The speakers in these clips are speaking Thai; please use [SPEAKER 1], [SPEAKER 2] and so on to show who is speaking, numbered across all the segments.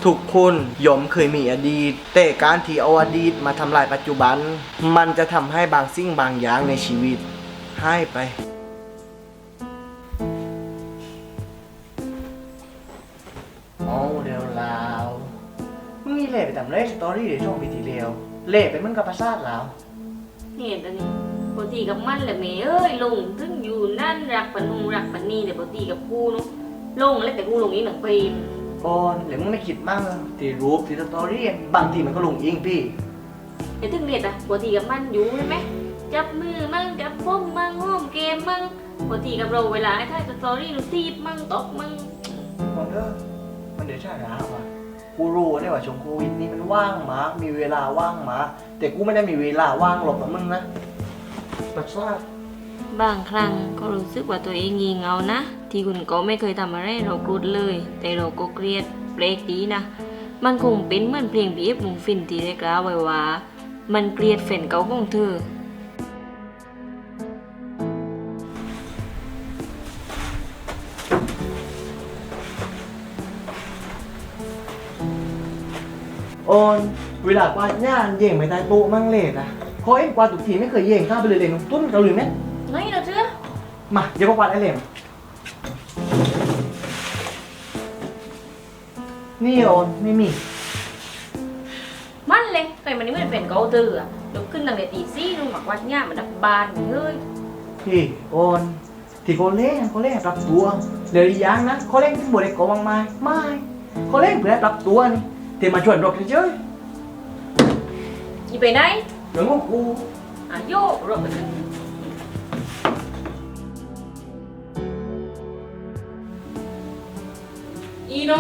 [SPEAKER 1] ทุกคนย่อมเคยมีอดีตแต่การที่เอาอดีตมาทำลายปัจจุบันมันจะทำให้บางสิ่งบางอย่างในชีวิตหายไปเอาเดี๋ยวลาวมึงนี่เล่ไปทำไรสตอรี่ในช่วงปีที่แล้วเล่ไปมึงกับประสาทลาว
[SPEAKER 2] เห็นอันนี้ปกติกับมันแหละแม่เอ้ยลงถึงอยู่นั่นรักปะนุงรักปะนี่แต่ปกติกับกูเนาะลงแล้วแต่กูลงอีกหนังปีม
[SPEAKER 1] ก่อนหรือมึงไม่คิดมั่งที่รูปที่สตอรี่บางทีมันก็ลงเองพี่
[SPEAKER 2] ไอ้ถึงเรียนอะปกติกับมันอยู่ใช่ไหมจับมือมั่งจับฟ้มมั่งห้อมเกมมั่งปกติกับเราเวลาไอ้ท่ายสตอรี่เราตีบมั่งตกมั่ง
[SPEAKER 1] ก่อนเด้อมันเดือดชาร้าวอ่ะกูรู้ได้ว่าช่วงโควิดนี่มันว่างมากมีเวลาว่างมากแต่กูไม่ได้มีเวลาว่างหรอกกับมึงนะประสาท
[SPEAKER 2] บางครั้งก็รู้สึกว่าตัวเองงี่เง่านะที่คุณก็ไม่เคยทำอะไรเรากรุดเลย แต่เราก็เครียดเบรกดีนะมันคงเป็นเหมือนเพลงบีเอฟมุงฟินที่ได้กล่าวไว้ว่ามันเกลียดแฟนเก่าของเธอ
[SPEAKER 1] โอนเวลากวาดย่านเย่งไปใต้โต๊ะมั่งเลยนะเพราะเอ็งกวาดทุกทีไม่เคยเย่งข้ามไปเลยน้องตุ้นเราหรือไหม
[SPEAKER 2] ไม่เราเชื่อ
[SPEAKER 1] มาเดี๋ยวก็กวาดไอ้เหลมนี่โอนไม่มี
[SPEAKER 2] มันเลยเคยมันนี่มันเป็นเกาเธออะลุกขึ้นตั้งแต่ตีสี่ลงหมักวัดง่ามันดับบานเฮ้ย
[SPEAKER 1] พี่โอนที่เขาเล่นปรับตัวเดี๋ยวอีกอย่างนะเขาเล่นที่บริกรบางไม้ไม่เขาเล่นเพื่อปรับตัวนี่ที่มาชวนรบเฉย
[SPEAKER 2] อีไปไหน
[SPEAKER 1] ๆเรื่องของกู
[SPEAKER 2] อ่ะโยกรถไปขึ้นอีโน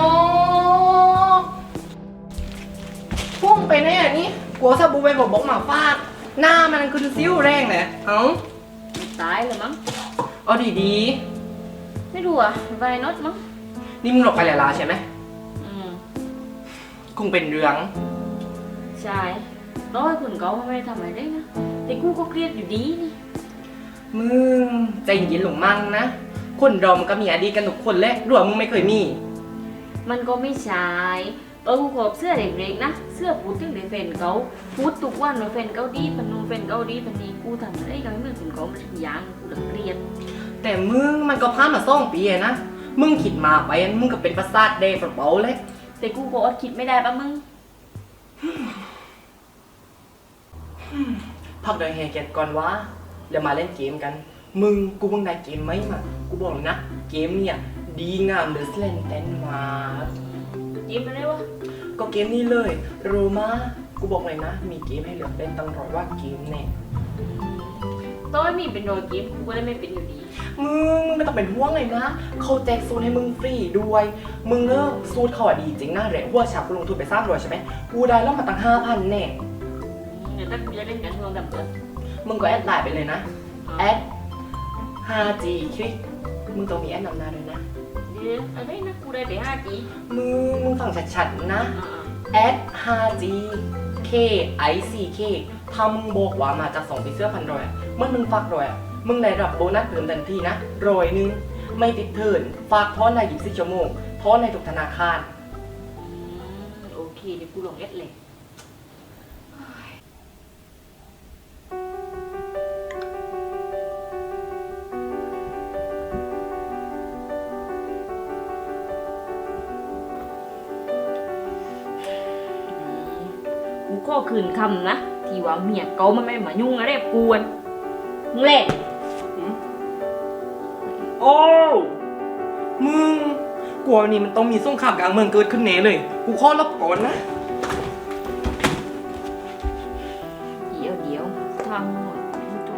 [SPEAKER 3] พุ่งไปไหนอ่ะนี่กลัวสบู่ไปบอกหมาฟาดหน้ามันคือซิ้วแรงเลยเอ้า
[SPEAKER 2] ตายเลยมั้ง
[SPEAKER 3] เอาดี
[SPEAKER 2] ไม่รู้อ่ะไวน็อตมั้ง
[SPEAKER 3] ๆนี่มึงหลบไปแล้วใช่ไหม
[SPEAKER 2] อืม
[SPEAKER 3] คงเป็นเรื่อง
[SPEAKER 2] ใช่ร้อยคุณเขาไม่ได้ทำอะไรได้นะแต่กูก็เครียดอยู่ดีนี่
[SPEAKER 3] มึงใจเย็นหลงมั่งนะคนเรามันก็มีอดีตกันทุกคนแหละรู้ว่ามึงไม่เคยมี
[SPEAKER 2] มันก็ไม่ใช่กูขอบเสื้อเด็กๆนะเสื้อพูดถึงเด็กแฟนเขาพูดทุกวันว่าแฟนเขาดีปนุงแฟนเขาดีปนนี้กูทำอะไรก็ไม่เหมือนคุณเขามันอย่างกูเลยเครียด
[SPEAKER 3] แต่มึงมันก็ผ่านมา2 ปีอะนะมึงคิดมาไปมึงก็เป็นประสาทแดงเปล่าๆเลย
[SPEAKER 2] แต่กูก็อดคิดไม่ได้ปะมึง
[SPEAKER 3] พักเดินแฮเก็ตก่อนวะแล้วมาเล่นเกมกันมึงได้เกมไหมมากูบอกเลยนะเกมเนี่ยดีงามเดือดเล่นเต้นมา
[SPEAKER 2] ยิ้มมาได้วะ
[SPEAKER 3] ก็เกมนี้เลยโรมากูบอกเลยนะ มีเกมให้เลือกเล่นตั้งร้อยว่าเกมเนี่ย
[SPEAKER 2] ต้อยมีเป็นโดยเกมกูก็ได้ไม่เป็นอยู่ดี
[SPEAKER 3] มึงไม่ต้องเป็นห่วงเลยนะเขาแจกซูนให้มึงฟรีด้วย มึงเลิกซูนเขาอะดีจริงนะเหรียญหัวฉาบกูลงทุนไป300ใช่ไหมกูได้แล้วมาตั้ง5,000แน่
[SPEAKER 2] เดี๋ยวถ้ากูจะเล่นกันช่วงดับเบิล
[SPEAKER 3] มึงก็แอดไลน์ไปเลยนะแอด 5G คลิกมึงต้องมีแอดนำหน้าด้วยนะ
[SPEAKER 2] เดี๋ยวอะไรนะกูได้ไป5G
[SPEAKER 3] มึงฟังชัดๆนะแอด 5G K I C K ถ้ามึงบอกว่ามาจาก2 ปีเสื้อ1,100อะเมื่อมึงฝาก100อะมึงได้รับโบนัสเพิ่มทันทีนะ100ไม่ติดเทิร์นฝากทอนใน24 ชั่วโมงทอนในทุกธนาคาร
[SPEAKER 2] โอเคเดี๋ยวกูลงเอสเลยกูก็คืนคำนะที่ว่าเมียเขามันไม่มายุ่งอะไรกับกูนมึงแหละ
[SPEAKER 3] โอ้มึงกลัวนี่มันต้องมีสงครามกลางเมืองเกิดขึ้นแน่เลย กูขอรับก่อนนะ
[SPEAKER 2] เดี๋ยวทำหมดไม่จบ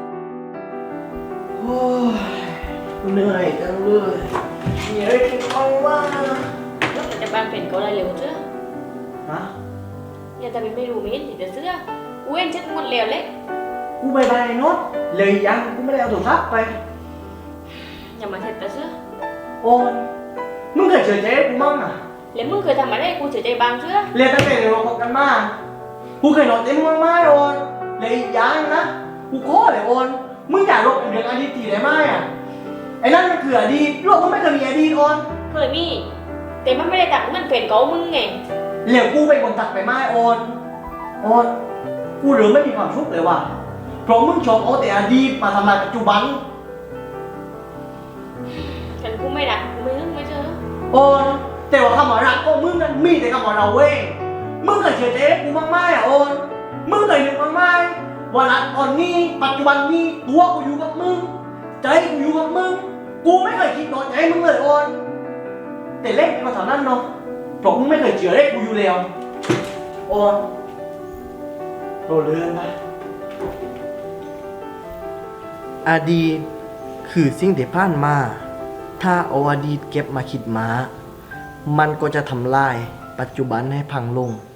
[SPEAKER 1] โอ้ยเหนื่อยจังเลยมีอะไรกินบ้างวะ
[SPEAKER 2] แล้วแต่บ้านเป็นก็ได้เร็วเชื่อ
[SPEAKER 1] ฮะ
[SPEAKER 2] อย่าแต่เป็นไม่รู้ไม่เห็นติดแต่เสื้อกูเห็นเช็ดหมดแล้วเลย
[SPEAKER 1] กูไปไปโน้ตเลยยังกูไม่ได้เอาโทรศัพท์ไป
[SPEAKER 2] อย่ามาเช็ดแต่เสื้อ
[SPEAKER 1] โอนมึงเคยเจอเจ๊กูมั่งอ่ะ
[SPEAKER 2] แล้วมึงเคยทำอะไรให้กูเสียใจบางเสื้อ
[SPEAKER 1] เรียนตั้งแต่เราคบกันมากูเคยนอนเต็มมึงไม่โอนเลยยังนะกูขอเลยโอนมึงอยากลบเรื่องอดีตทีได้ไหมอ่ะไอ้นั่นมันคืออดีตโลกมึงไม่เคยมีอดีตโอน
[SPEAKER 2] เคยมีแต่มันไม่ได้ตักมันเป็นเกามึงไง
[SPEAKER 1] เหลวกูเป็นคนตักไปไม้โอนกูหรือไม่มีความสุขเลยว่ะเพราะมึงชอบเอาแต่อดีตมาทำลายปัจจุบัน
[SPEAKER 2] ฉันกูไม่รักกูไม่นึกไม่เจอ
[SPEAKER 1] โอนแต่ว่าคำว่ารักก็มึงนั้นมีแต่คำว่าเราเว้งมึงเคยเชื่อใจกูมากไหมอ่ะโอนมึงเคยนึกมากไหมว่ารักตอนนี้ปัจจุบันนี้ตัวกูอยู่กับมึงใจกูอยู่กับมึงกูไม่เคยคิดนอนใจมึงเลยโอนแต่เล็กก็เท่านั้นเนาะเพราะมึงไม่เคยเชื่อเล็กกูอยู่แล้วโอนโดนเลื่อนนะอดีตคือสิ่งที่ผ่านมา ถ้าเอาอดีตเก็บมาคิดมา มันก็จะทำลายปัจจุบันให้พังลง